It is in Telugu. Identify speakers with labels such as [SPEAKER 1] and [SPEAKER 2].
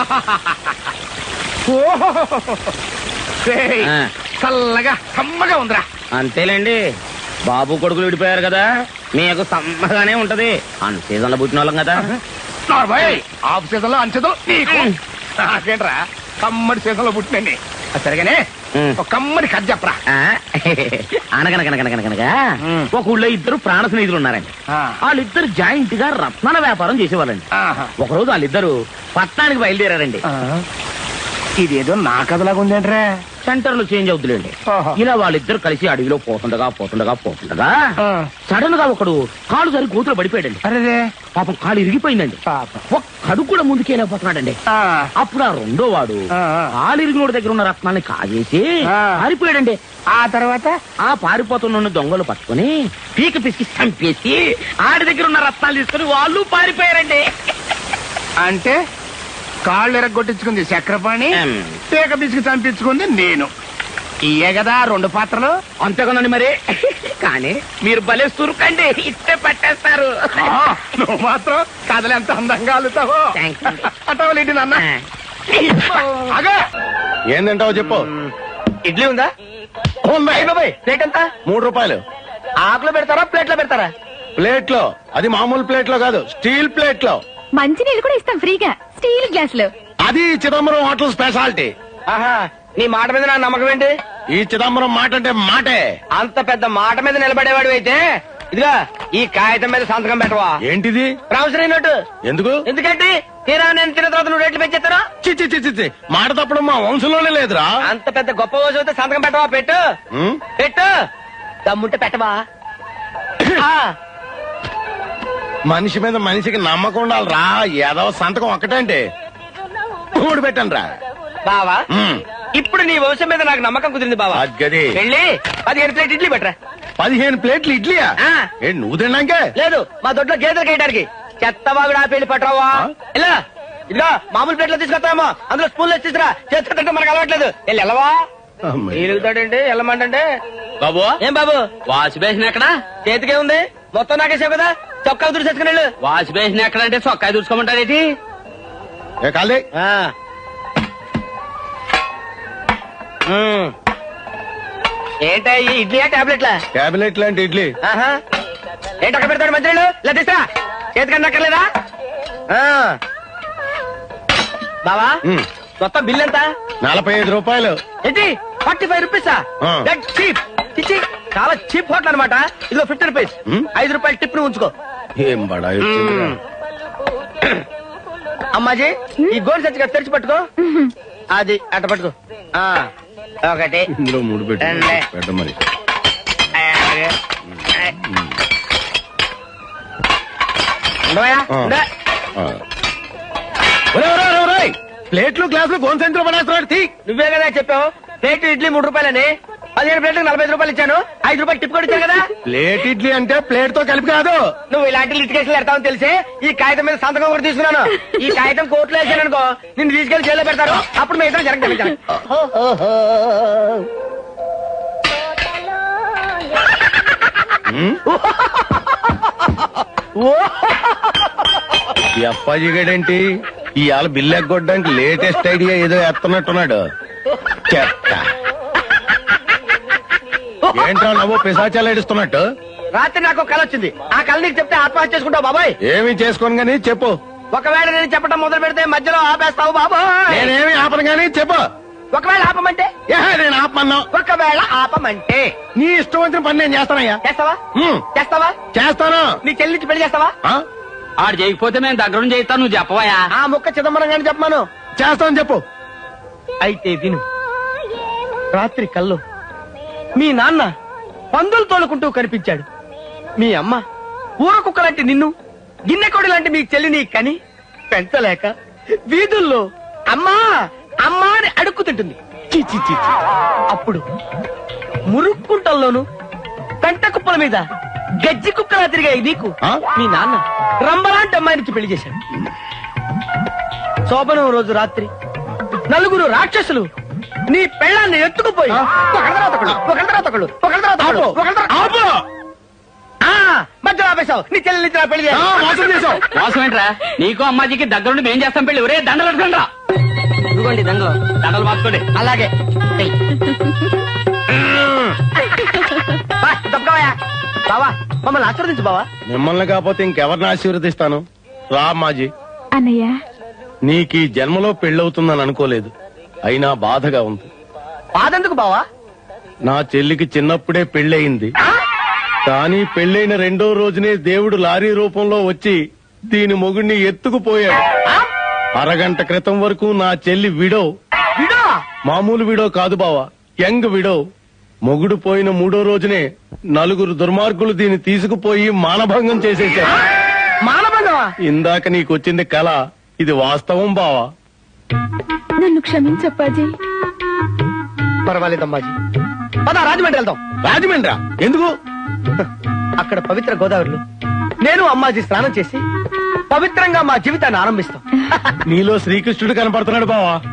[SPEAKER 1] చల్లగా సమ్మగా ఉందిరా.
[SPEAKER 2] అంతేలేండి, బాబు కొడుకులు విడిపోయారు కదా, మీకు సమ్మగానే ఉంటది. అన్ సీజన్ లో పుట్టిన వాళ్ళం కదా.
[SPEAKER 1] ఆఫ్ సీజన్ లో అన్సీజన్ నీకు నాకేంట్రా, కమ్మడి సీజన్ లో పుట్టినండి. సరిగానే ఒక కమ్మడి కథ చెప్పరా.
[SPEAKER 2] అనగనగనగనగనగా ఒక ఊళ్ళో ఇద్దరు ప్రాణ స్నేహితులు ఉన్నారండి. వాళ్ళిద్దరు జాయింట్ గా రత్నాల వ్యాపారం చేసేవాళ్ళండి. ఒకరోజు వాళ్ళిద్దరు పట్టణానికి బయలుదేరారండి.
[SPEAKER 1] ఇదేదో నా కథలాగా ఉందేంట్రా.
[SPEAKER 2] సెంటర్ లో చేంజ్ అవుతులేండి. ఇలా వాళ్ళిద్దరు కలిసి అడవిలో పోతుండగా సడన్ గా ఒకడు కాలు సరి కూతురు పడిపోయాడండి.
[SPEAKER 1] అరే
[SPEAKER 2] పాపం కాలు ఇరిగిపోయిందండి. ఒక్కడు కూడా ముందుకెళ్ళిపోతున్నాడండి. అప్పుడు ఆ రెండో వాడు కాలు ఇరిగినోడి దగ్గర ఉన్న రత్నాన్ని కాజేసి పారిపోయాడండి.
[SPEAKER 1] ఆ తర్వాత
[SPEAKER 2] ఆ పారిపోతున్న దొంగలు పట్టుకుని పీక పిసికి చంపేసి ఆడి దగ్గర ఉన్న రత్నాలు తీసుకుని వాళ్ళు పారిపోయారండి.
[SPEAKER 1] అంటే కాళ్ళు ఎరగొట్టించుకుంది చక్రపాణి, పీక పిసికి చంపించుకుంది నేను. ఇయే కదా రెండు పాత్రలు.
[SPEAKER 2] అంతేకనండి మరి. కానీ మీరు భలే సురుకండి, ఇట్టే పట్టేస్తారు.
[SPEAKER 1] నువ్వు మాత్రం కథలు ఎంత అందంగా అల్లుతావో. అంటావులేంటి నాన్న.
[SPEAKER 3] ఏందంటావు చెప్పు.
[SPEAKER 2] ఇడ్లీ ఉందా? ప్లేట్ ఎంత?
[SPEAKER 3] 3 రూపాయలు.
[SPEAKER 2] ఆకులో పెడతారా ప్లేట్ లో పెడతారా?
[SPEAKER 3] ప్లేట్ లో. అది మామూలు ప్లేట్ లో కాదు, స్టీల్ ప్లేట్ లో.
[SPEAKER 4] మంచి నీళ్ళు కూడా ఇస్తాం ఫ్రీగా, స్టీల్ గ్లాస్ లో.
[SPEAKER 3] అది చిదంబరం హోటల్ స్పెషాలిటీ.
[SPEAKER 2] ఆహా, నీ మాట మీద నా నమ్మకం ఏంటి?
[SPEAKER 3] ఈ చిదంబరం మాట అంటే మాటే.
[SPEAKER 2] అంత పెద్ద మాట మీద నిలబడేవాడు అయితే ఇదిగా ఈ కాగితం మీద సంతకం పెట్టవా?
[SPEAKER 3] ఏంటిది?
[SPEAKER 2] Promissory note.
[SPEAKER 3] ఎందుకు?
[SPEAKER 2] ఎందుకంటే తీరా నేను తిన్న తర్వాత నువ్వు రేట్లు పెంచేస్తారా?
[SPEAKER 3] చి మాట తప్పడం మా వంశంలోనే లేదురా.
[SPEAKER 2] అంత పెద్ద గొప్ప రోజు అయితే సంతకం పెట్టవా? పెట్టు పెట్టు, దమ్ముంటే పెట్టవా?
[SPEAKER 3] మనిషి మీద మనిషికి నమ్మకం ఉండాలిరా. ఏదో సంతకం ఒక్కటంటే 3 పెట్టండి రా
[SPEAKER 2] బావా. ఇప్పుడు నీ వంశం మీద నాకు నమ్మకం కుదిరింది బావా.
[SPEAKER 3] గది
[SPEAKER 2] వెళ్ళి 15 ప్లేట్ ఇడ్లీ పెట్టరా.
[SPEAKER 3] 15 ప్లేట్లు ఇడ్లీయా? ఏంటి నువ్వు తిన్నాకే?
[SPEAKER 2] లేదు, మా దొడ్లో గేదెలు కేయడానికి. చెత్తవాగుడు ఆ పెళ్లి పట్టరావా? ఇలా ఇదిగా మామూలు ప్లేట్లో తీసుకొస్తామో, అందులో స్పూన్లో తీసుకురా. చేతితో తింటే మనకు అలవాట్లేదు. వెళ్ళి వెళ్ళవా? ఎలుగుతాడండి వెళ్ళమంటే. బాబు ఏం బాబు, వాష్ బేసిన్ ఎక్కడ? చేతికే ఉంది, మొత్తం నాకేసావు కదా. చొక్కా దుడిసేసుకుని వెళ్ళు. వాష్ బేసిన్ ఎక్కడ అంటే చొక్కా దుడుచుకోమంటారేటి? ఏంటా ఈ ఇడ్లీయా టాబ్లెట్లా?
[SPEAKER 3] టాబ్లెట్ లాంటి ఇడ్లీ.
[SPEAKER 2] ఏంటి అక్కడ పెడతాడు మంత్రులు? ఇలా తీసురా, చేతికన్నా అక్కర్లేదా? బావా మొత్తం బిల్ ఎంత?
[SPEAKER 3] 45 రూపాయలు.
[SPEAKER 2] ఏంటి 45 రూపీసా? చీప్. ఇచ్చి చాలా చీప్ హోటల్ అనమాట. ఇదిగో 50 రూపీస్. 5 రూపాయలు టిప్ ను ఉంచుకో.
[SPEAKER 3] ఏం బడాయి.
[SPEAKER 2] అమ్మాజీ ఈ గోల్డ్ సచ్చిగా తెరిచి పట్టుకో. అది అట్ట పట్టుకో. 1
[SPEAKER 3] ఇందులో 3 పెట్ట మరి. ప్లేట్లు గ్లాసులు గోన్ సెంటర్ పడేస్తున్నాడు.
[SPEAKER 2] నువ్వే కదా చెప్పావు ప్లేట్ ఇడ్లీ 3 రూపాయలని. 15 ప్లేట్లకు 45 రూపాయలు ఇచ్చాను. 5 రూపాయలు టిప్ కూడా ఇచ్చాను కదా.
[SPEAKER 3] ప్లేట్ ఇడ్లీ అంటే ప్లేట్ తో కలిపి కాదు.
[SPEAKER 2] నువ్వు ఇలాంటి లిటికేషన్లు పెడతావని తెలిసి ఈ కాగితం మీద సంతకం కూడా తీసుకున్నాను. ఈ కాగితం కోర్టులో వేసాను అనుకో, నిన్ను తీసుకెళ్లి జైల్లో పెడతారు. అప్పుడు మీ ఇద్దరు జరగదు.
[SPEAKER 3] ఈ అప్పాజీ గడేంటి ఇవాళ బిల్లు ఎగ్గొట్టడానికి లేటెస్ట్ ఐడియా ఏదో ఎత్తనట్టున్నాడు. చెత్త. ఏంట్రా నవ్వు పిశాచాలు ఏడుస్తున్నట్టు?
[SPEAKER 2] రాత్రి నాకు కళ వచ్చింది. ఆ కళ నీకు చెప్తే ఆత్మహత్య చేసుకుంటావు బాబాయ్.
[SPEAKER 3] ఏమి చేసుకోను గానీ చెప్పు.
[SPEAKER 2] ఒకవేళ నేను చెప్పడం మొదలు పెడితే మధ్యలో ఆపేస్తావు బాబాయ్.
[SPEAKER 3] నేనేమి ఆపను గానీ చెప్పు.
[SPEAKER 2] ఒకవేళ ఆపమంటే?
[SPEAKER 3] నేను ఆపమన్నా.
[SPEAKER 2] ఒకవేళ ఆపమంటే
[SPEAKER 3] నీ ఇష్టం వచ్చిన పని నేను చేస్తానయ్యా.
[SPEAKER 2] చేస్తావా? చేస్తావా?
[SPEAKER 3] చేస్తాను.
[SPEAKER 2] నీ చెల్లించి పెళ్లి చేస్తావా? ఆడు చేయకపోతే మేము దగ్గర చేయిస్తాను. నువ్వు చెప్పవా? ఆ ముక్క చిదంబరం గాని చెప్పమాను.
[SPEAKER 3] చేస్తాను చెప్పు.
[SPEAKER 2] అయితే విను. రాత్రి కల్లో మీ నాన్న పందులు తోలుకుంటూ కనిపించాడు. మీ అమ్మ ఊర కుక్క లాంటి నిన్ను, గిన్నెకోడి లాంటి మీ చెల్లిని కని పెంచలేక వీధుల్లో అమ్మా అమ్మా అని అడుక్కుతింటుంది. అప్పుడు మురుక్కుంటల్లోను పెంట కుప్పల మీద గజ్జి కుక్కలా తిరిగాయి నీకు మీ నాన్న రంబలాంటి అమ్మాయినికి పెళ్లి చేశాడు. శోభనం రోజు రాత్రి 4 రాక్షసులు నీ పెళ్ళాన్ని ఎత్తుకుపోయి మధ్యలో ఆపేశావు. నీ చెల్లి పెళ్లి చేసావు.
[SPEAKER 5] మోసం ఏంట్రా? నీకు అమ్మాజీకి దగ్గరుండి మేం చేస్తాం పెళ్లి. ఒరే దండలు
[SPEAKER 2] ఇదిగోండి దండలు.
[SPEAKER 3] దండలు మార్చుకోండి.
[SPEAKER 2] అలాగే ఏయ్. బా, తప్పుకోవయ్యా. బావా మమ్మల్ని ఆశీర్వదించు బావా.
[SPEAKER 3] మిమ్మల్ని కాకపోతే ఇంకెవరిని ఆశీర్వదిస్తాను? రా మాజీ.
[SPEAKER 4] అన్నయ్య
[SPEAKER 3] నీకు ఈ జన్మలో పెళ్ళవుతుందని అనుకోలేదు, అయినా బాధగా ఉంది.
[SPEAKER 2] బాధెందుకు బావా?
[SPEAKER 3] నా చెల్లికి చిన్నప్పుడే పెళ్ళయింది, కానీ పెళ్ళైన రెండో రోజునే దేవుడు లారీ రూపంలో వచ్చి దీని మొగుడిని ఎత్తుకుపోయాడు. అరగంట క్రితం వరకు నా చెల్లి విడో.
[SPEAKER 2] విడో?
[SPEAKER 3] మామూలు విడో కాదు బావా, యంగ్ విడో. మొగుడు పోయిన మూడో రోజునే నలుగురు దుర్మార్గులు దీన్ని తీసుకుపోయి మానభంగం చేసేశారు.
[SPEAKER 2] మానబంధమా?
[SPEAKER 3] ఇందాక నీకొచ్చింది కళ, ఇది వాస్తవం బావా.
[SPEAKER 4] నన్ను క్షమించప్పాజీ.
[SPEAKER 2] పర్వాలేదమ్మాజీ. పద రాజమండ్రి వెళ్దాం.
[SPEAKER 3] రాజమండ్రా? ఎందుకు?
[SPEAKER 2] అక్కడ పవిత్ర గోదావరిలో నేను అమ్మాజీ స్నానం చేసి పవిత్రంగా మా జీవితాన్ని ఆరంభిస్తాం.
[SPEAKER 3] నీలో శ్రీకృష్ణుడు కనపడుతున్నాడు బావా.